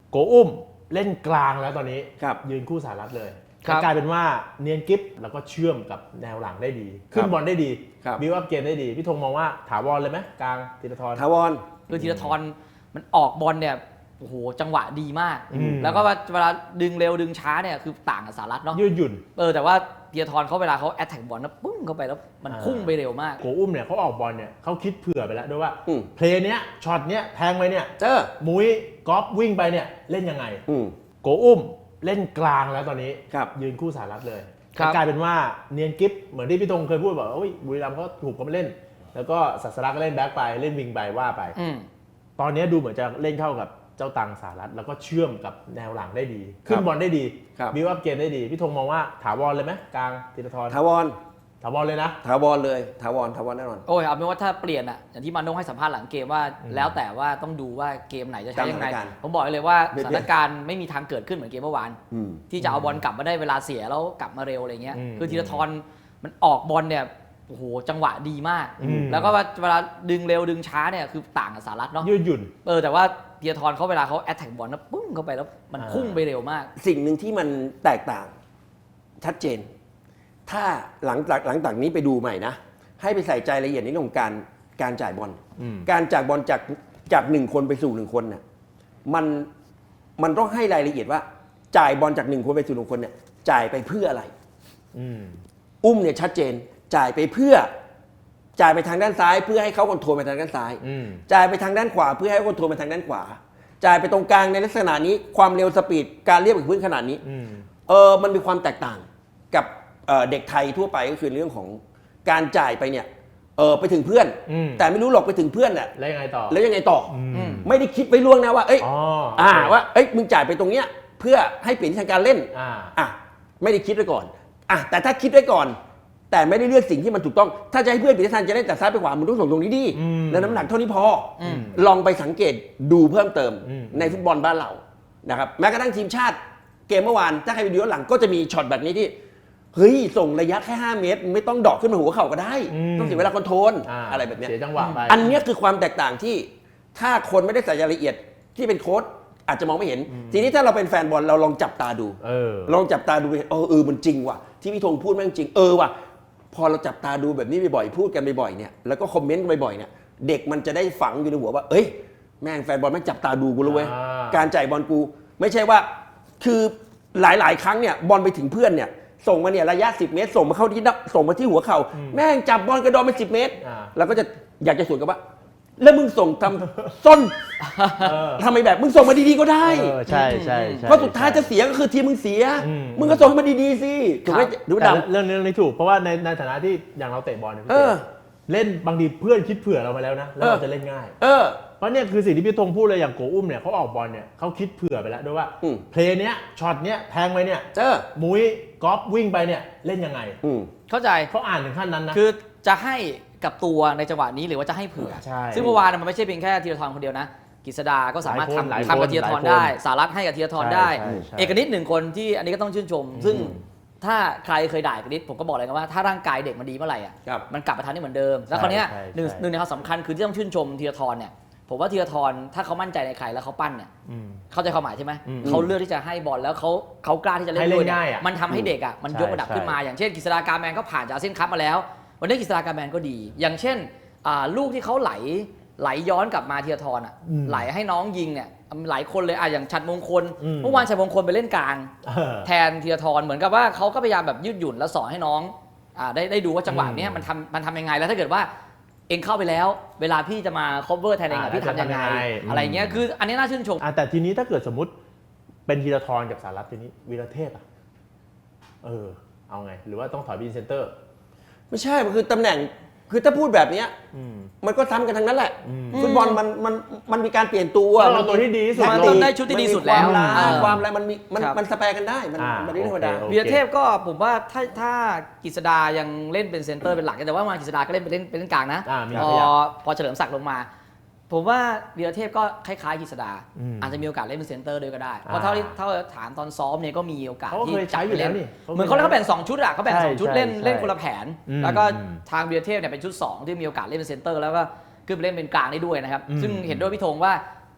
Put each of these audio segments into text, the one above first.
โกอุ้มเล่นกลางแล้วตอนนี้ครับยืนคู่สหรัฐเลยครับกลายเป็นว่าเนียนกิฟแล้วก็เชื่อมกับแนวหลังได้ดี ขึ้นบอลได้ดีครับบิวอัพเกมได้ดีพี่ธงมองว่าถาวรเลยไหมกลางธีรทรถาวรคือธีรทรมันออกบอลเนี่ยโอ้โหจังหวะดีมากอืมแล้วก็เวลาดึงเร็วดึงช้าเนี่ยคือต่างกับสหรัฐเนาะยืดหยุ่นแต่ว่าธีรทรเขาเวลาเขาแอตแทกบอลนะปุ้งเข้าไปแล้วมันพุ่งไปเร็วมากโกอุ้มเนี่ยเขาออกบอลเนี่ยเขาคิดเผื่อไปแล้วด้วยว่าอืมเพลย์เนี้ยช็อตเนี้ยแทงไปเนี่ยเจอมุ้ยกอล์ฟวิ่งไปเนี่ยเล่นยังไงอืมโกอุ้มเล่นกลางแล้วตอนนี้ครับยืนคู่สหรัฐเลยครับกลายเป็นว่าเนียนกิฟเหมือนที่พี่ธงเคยพูดบอกว่าบุรีรัมย์เขาถูกเขามาเล่น แล้วก็ศักดิ์ก็เล่นแบ็คไปเล่นวิงไปว่าไปอืมตอนนี้ดูเหมือนจะเล่นเข้ากับเจ้าตังสหรัฐแล้วก็เชื่อมกับแนวหลังได้ดี ขึ้นบอลได้ดีครับบิวอัพเกมได้ดีพี่ธงมองว่าถาวรเลยไหมกลางธีรทรถาวรถาวรเลยนะถาวรเลยถาวรแน่นอนโอ้ยเอาเป็นว่าถ้าเปลี่ยนอ่ะอย่างที่มาโน่ให้สัมภาษณ์หลังเกมว่า แล้วแต่ว่าต้องดูว่าเกมไหนจะใช้ยังไงตามสถานการณ์ผมบอกเลยว่าเดี๋สยวถานการณ์ไม่มีทางเกิดขึ้นเหมือนเกมเมื่อวานอืมที่จะเอาบอลกลับมาได้เวลาเสียแล้วกลับมาเร็วอะไรเงี้ยอืมคือธีรทรมันออกบอลเนี่ยโอ้โหจังหวะดีมากอืมแล้วก็เวลาดึงเร็วดึงช้าเนี่ยคือต่างกับสหรัฐเนาะยืดหยุ่นแต่ว่าธีรทรเขาเวลาเขาแอตแทกบอลนะปุ้งเข้าไปแล้วมันพุ่งไปเร็วมากสิ่งหนึ่งที่มันแตกต่างชัดเจน ถ้าหลังจากนี้ไปดูใหม่นะ ให้ไปใส่ใจรายละเอียดในเรื่องของการจ่ายบอลอืมการจ่ายบอลจากหนึ่งคนไปสู่หนึ่งคนเนี่ยมันต้องให้รายละเอียดว่าจ่ายบอลจากหนึ่งคนไปสู่หนึ่งคนเนี่ยจ่ายไปเพื่ออะไรอืมอุ้มเนี่ยชัดเจนจ่ายไปเพื่อจ่ายไปทางด้านซ้าย เพื่อให้เขาคอนโทรลไปทางด้านซ้ายอืมจ่ายไปทางด้านขวาเพื่อให้เขาคอนโทรลไปทางด้านขวา จ่ายไปตรงกลางในลักษณะนี้ความเร็วสปีดการเรียบกับพื้นขนาดนี้อืมมันมีความแตกต่างกับเด็กไทยทั่วไปก็คือเรื่องของการจ่ายไปเนี่ยไปถึงเพื่อนอืมแต่ไม่รู้หรอกไปถึงเพื่อนน่ะแล้วยังไงต่อแล้วยังไงต่ออืมไม่ได้คิดไว้ล่วงหนะว่าเอ้ยอ๋อว่าเอ้ยมึงจ่ายไปตรงเนี้ยเพื่อให้เปลี่ยนทางการเล่นอ่าไม่ได้คิดไว้ก่อนแต่ถ้าคิดไว้ก่อน แต่ไม่ได้เลือกสิ่งที่มันถูกต้อง ถ้าจะให้เพื่อนเปลี่ยนทิศทางจะเล่นแต่ซ้ายไปขวามึงต้องส่งตรงนี้ดีอืมแล้วน้ำหนักเท่านี้พออมลองไปสังเกตดูเพิ่มเติมอืมในฟุตบอลบ้านเรานะครับแม้กระทั่งทีมชาติเกมเมื่อวานถ้าใครไปดูย้อนหลังก็จะมีช็อตแบบนี้ที่เฮ้ยส่งระยะแค่5 เมตรไม่ต้องดอกขึ้นมาหัวเข่าก็ได้ ต้องเสียเวลาคอนโทรลอะไรแบบเนี้ยเสียจังหวะไปอันเนี้ยคือความแตกต่างที่ถ้าคนไม่ได้ใส่รายละเอียดที่เป็นโค้ชอาจจะมองไม่เห็น ทีนี้ถ้าเราเป็นแฟนบอลเราลองจับตาดู ลองจับตาดูมันจริงว่ะที่พี่ธงพูดแม่งจริงว่ะพอเราจับตาดูแบบนี้บ่อยๆพูดกันบ่อยๆเนี่ยแล้วก็คอมเมนต์กันบ่อยๆเนี่ยเด็กมันจะได้ฝังอยู่ในหัวว่าเอ้ยแม่งแฟนบอลแม่งจับตาดูกูแล้วเว้ยอ่าการจ่ายบอลกูไม่ใช่ว่าคือหลายๆครั้งเนี่ยบอลไปถึงเพื่อนเนี่ยส่งมาเนี่ยระยะ10 เมตรส่งมาที่หัวเข่าแม่งจับบอลกระโดดไป10 เมตรอ่าแล้วก็จะอยากจะสวนกับว่า แล้วมึงส่งทำส้นเออทำไมแบบมึงส่งมาดีๆก็ได้ใช่ใช่เพราะสุดท้ายจะเสียก็คือทีมมึงเสียอืมมึงก็ส่งให้มันดีๆสิถูกไหมดูแต่ดำเรื่องนี้ถูกเพราะว่าในฐานะที่อย่างเราเตะบอลเนี่ยพี่เออเล่นบางทีเพื่อนคิดเผื่อเรามาแล้วนะแล้วเราจะเล่นง่าย เพราะเนี่ยคือสิ่งที่พี่ธงพูดเลยอย่างโกอุ้มเนี่ยเขาออกบอลเนี่ยเขาคิดเผื่อไปแล้วด้วยว่าอืมเพลย์เนี้ยช็อตเนี้ยแทงไปเนี่ยเจอมุ้ยกอล์ฟวิ่งไปเนี่ยเล่นยังไงเข้าใจเขาอ่านถึงขั้นนั้นนะคือจะให้กับตัวในจังหวะนี้หรือว่าจะให้เผื่อใช่ซึ่งเมื่อวานมันไม่ใช่เพียงแค่ธีรทรคนเดียวนะกฤษดาก็สามารถหลายคนทำกับธีรทรได้สารัตให้กับธีรทรได้ใช่ใช่เอกนิตหนึ่งคนที่อันนี้ก็ต้องชื่นชม ซึ่งถ้าใครเคยด่าเอกนิตผมก็บอกเลยกันว่าถ้าร่างกายเด็กมันดีเมื่อไหร่อ่ะครับมันกลับมาทำได้เหมือนเดิม แล้วคราวเนี้ยใช่หนึ่งใช่หนึ่งในความสำคัญคือที่ต้องชื่นชมธีรทรเนี่ยผมว่าธีรทรถ้าเขามั่นใจในใครแล้วเขาปั้นเนี่ยอืมเข้าใจความหมายใช่ไหมอืมเขาเลือกที่จะให้บอลแล้วเขากล้าที่จะเล่นให้เล่นด้วยเนี่ง่ายอะมันทำให้เด็กอ่ะมันใช่ยกระดับใช่ขึ้นมาอย่างเช่นกฤษฎากาแมนก็ผ่านจากอาเซียนคัพมาแล้ว วันนี้กฤษฎากาแมนก็ดี อย่างเช่นลูกที่เขาไหลย้อนกลับมาธีรทรอ่ะอืมไหลให้น้องยิงเนี่ยหลายคนเลยอย่างฉัตรมงคลอืมเมื่อวานฉัตรมงคลไปเล่นกลางเออแทนธีรทรเหมือนกับว่าเขาก็พยายามแบบยืดหยุ่นแล้วสอนให้น้องได้ดูว่าจังหวะเนี้ยมันทำยังไงแล้วถ้าเกิดว่าเองเข้าไปแล้ว เวลาพี่จะมา cover แทนเองพี่ทำยังไงอะไรเงี้ยคืออันนี้น่าชื่นชมแต่ทีนี้ถ้าเกิดสมมติเป็นธีรทรกับสารัตทีนี้วีรเทพอ่ะเอาไง หรือว่าต้องถอยไปอินเซนเตอร์ไม่ใช่มันคือตำแหน่งคือถ้าพูดแบบเนี้ยอืมมันก็ซ้ำกันทั้งนั้นแหละอืมฟุตบอลมันมีการเปลี่ยนตัวต้องเอาตัวที่ดีที่สุดมันลต้อง งได้ชุดที่ดีสุดแล้วมันมีความล้าเออความอะไรมันมีครับมันสแปรกันได้มันเรื่องธรรมดาโอเควีรเทพก็ผมว่าถ้ากฤษดายังเล่นเป็นเซนเตอร์เป็นหลักแต่ว่ามากฤษดาก็เล่นเป็นกลางนะมีพขยับพอเฉลิมศักดิ์ลงมา ผมว่าวีรเทพก็คล้ายๆกฤษดาอืมอาจจะมีโอกาสเล่นเป็นเซนเตอร์ด้วยก็ได้เพราะเท่าที่ถามตอนซ้อมเนี่ยก็มีโอกาสเขาที่เคยใช้อยู่แล้วนี่เหมือนเขาแบ่ง2ชุดอ่ะเขาแบ่งใช่ 2ชุดใช่เล่นใช่เล่นคนละแผนอืมแล้วก็อืมทางวีรเทพเนี่ยเป็นชุด2ที่มีโอกาสเล่นเป็นเซนเตอร์แล้วก็ขึ้นไปเล่นเป็นกลางได้ด้วยนะครับอืมซึ่งเห็นด้วยพี่ธงว่า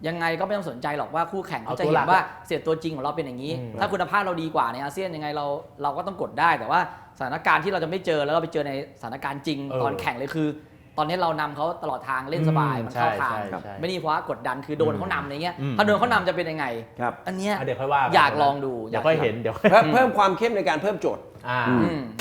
ยังไงก็ไม่ต้องสนใจหรอกว่าคู่แข่งเขาจะเอาตัวเห็หลันกว่าเสียตัวจริงของเราเป็นอย่างนี้ ถ้าคุณภาพเราดีกว่าในอาเซียนยังไงเราก็ต้องกดได้ แต่ว่าสถานการณ์ที่เราจะไม่เจอแล้วเราไปเจอในสถานการณ์จริงตอนแข่งเลยคือ ตอนนี้เรานำเขาตลอดทางเล่นสบายมันเข้าทางใช่ไม่นี่เพราะว่ากดดันคือโดนเขานำอะไรเงี้ยถ้าโดนเขานำจะเป็นยังไงครับอันเนี้ยเดี๋ยวค่อยว่ากันอยากลองดูเดี๋ยวค่อยเห็นเดี๋ยวเพิ่มความเข้มในการเพิ่มโจทย์อ่าอืม